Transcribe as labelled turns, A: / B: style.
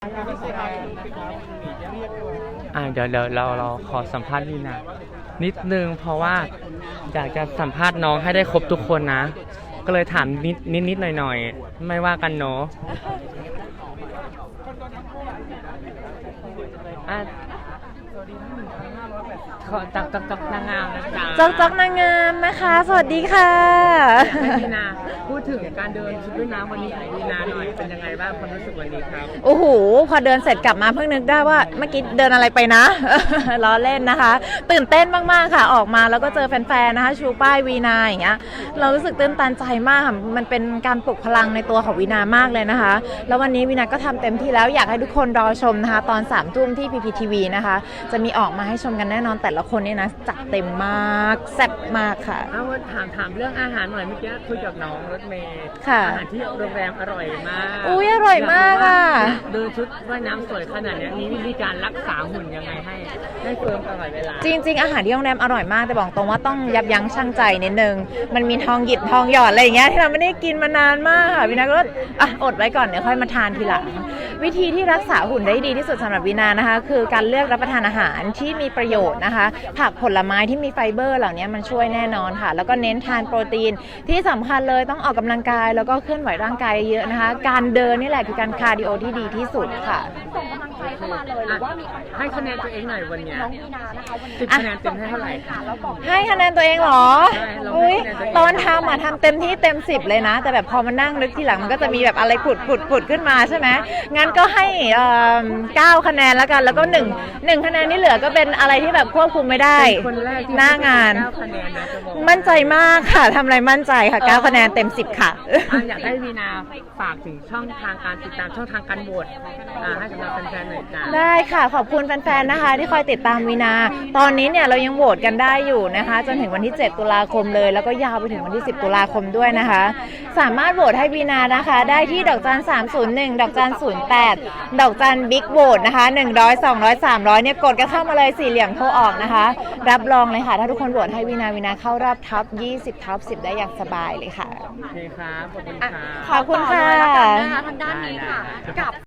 A: เดี๋ยวเราขอสัมภาษณ์ลีนานิดนึงเพราะว่าอยากจะสัมภาษณ์น้องให้ได้ครบทุกคนนะ ก็เลยถามนิดหน่อยไม่ว่ากันเนาะขอจักนางงามนะจ๊ะ
B: จ๊อกนางงามนะคะสวัสดีค่ะ
A: ลีนาพูดถึงการเดินชุดว่ายน้ำวันนี้ของลีนาหน่อยเป็นยังไงบ้างความรู้สึกวันนี้ครับ
B: โอ้โหพอเดินเสร็จกลับมาเพิ่งนึกได้ว่าเมื่อกี้เดินอะไรไปนะ ล้อเล่นนะคะตื่นเต้นมากๆค่ะออกมาแล้วก็เจอแฟนๆนะคะชูป้ายวีนาอย่างเงี้ยเรารู้สึกตื่นตันใจมากค่ะมันเป็นการปลุกพลังในตัวของวีนามากเลยนะคะแล้ววันนี้วีนาก็ทำเต็มที่แล้วอยากให้ทุกคนรอชมนะคะตอน3 ทุ่มที่ PPTV นะคะจะมีออกมาให้ชมกันแน่นอนแต่ละคนนี่นะจัดเต็มมากแซ่บมากค่ะ
A: ถามเรื่องอาหารหน่อยเมื่อกี้คุยกับน้องรถเมย์อาหารที่โรงแรมอร่อยมาก
B: อุ้ยอร่อยมากอ่ะ
A: เดินชุดว่ายน้ำสวยขนาดนี้มีวิธีการรักษาหุ่นยังไงให้เฟิร์มตลอดเวลา
B: จริงๆอาหารที่โรงแรมอร่อยมากแต่บอกตรงว่าต้องยับยั้งชั่งใจนิดนึงมันมีทองหยิบทองหยอดอะไรอย่างเงี้ยที่เราไม่ได้กินมานานมากค่ะวินาก็อดไว้ก่อนเดี๋ยวค่อยมาทานทีหลังวิธีที่รักษาหุ่นได้ดีที่สุดสำหรับวินานะคะคือการเลือกรับประทานอาหารที่มีประโยชน์นะคะผักผลไม้ที่มีไฟเบอร์เหล่านี้มันช่วยแน่นอนค่ะแล้วก็เน้นทานโปรตีนที่สำคัญเลยต้องออกกำลังกายแล้วก็เคลื่อนไหวร่างกายเยอะนะคะการเดินนี่แหละคือการคาร์ดิโอที่ดีที่สุดค่ะ
C: ส่งกำลังใจเข้ามาเลยหรือว่ามี
A: ให้คะแนนตัวเองหน่อยวันนี้
C: น้องวีนานะคะวันนี้
A: 10 คะแนนเต็มให้เท่าไหร่
B: ให้คะแนนตัวเองเหรออุ้ยตอนทำทำเต็มที่เต็ม10เลยนะแต่แบบพอมานั่งนึกทีหลังมันก็จะมีแบบอะไรผุดขึ้นมาใช่ไหมงั้นก็ให้9 คะแนนแล้วกันแล้วก็1คะแนนที่เหลือก็เป็นอะไรที่แบบควบคุมไม่ได้หน้างานมั่นใจมากค่ะทำอะไรมั่นใจค่ะ9 คะแนนเต็ม10ค่ะ
A: อยากให้วีนาฝากถึงช่องทางการติดตามช่องทางการโหวตให้สำหรับแฟนๆหน่อยจ้า
B: ได้ค่ะขอบคุณแฟนๆนะคะที่คอยติดตามวีนาตอนนี้เนี่ยเรายังโหวตกันได้อยู่นะคะจนถึงวันที่7 ตุลาคมเลยแล้วก็ยาวไปถึงวันที่10 ตุลาคมด้วยนะคะสามารถโหวตให้วีนานะคะได้ที่ดอกจัน301ดอกจัน08ดอกจันบิ๊กโหวตนะคะ100 200 300เนี่ยกดกันเข้ามาเลย4 เหลี่ยมโทรออกนะคะรับรองเลยค่ะถ้าทุกคนโหวตให้วีนาเข้ารอบท็อป20ท็อป10ได้อย่างสบายเลยค่ะ
A: โอเคครับขอบคุณค่ะ
B: ขอบคุณค่ะ
C: ทางด้านนี้ค่ะกับ